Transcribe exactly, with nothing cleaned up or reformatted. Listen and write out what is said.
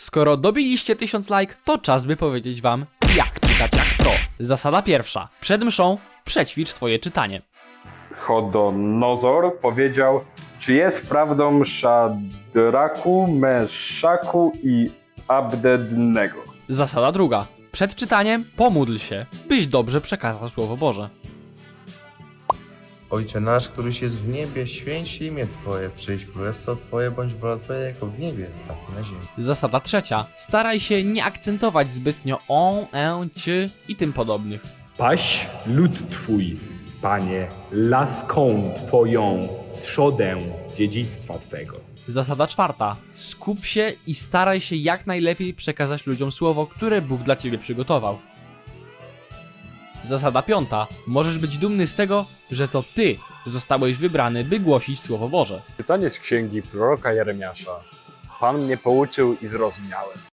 Skoro dobiliście tysiąc like, to czas by powiedzieć wam, jak czytać jak pro. Zasada pierwsza. Przed mszą przećwicz swoje czytanie. Chodonozor powiedział, czy jest prawdą Szadraku, Meszaku i Abednego. Zasada druga. Przed czytaniem pomódl się, byś dobrze przekazał Słowo Boże. Ojcze nasz, któryś jest w niebie, święć się imię Twoje, przyjdź królestwo Twoje, bądź wola Twoja jako w niebie, tak i na ziemi. Zasada trzecia. Staraj się nie akcentować zbytnio on, e, ci i tym podobnych. Paś lud Twój, Panie, laską Twoją, trzodę dziedzictwa Twego. Zasada czwarta. Skup się i staraj się jak najlepiej przekazać ludziom słowo, które Bóg dla ciebie przygotował. Zasada piąta. Możesz być dumny z tego, że to ty zostałeś wybrany, by głosić Słowo Boże. Czytanie z księgi proroka Jeremiasza. Pan mnie pouczył i zrozumiałem.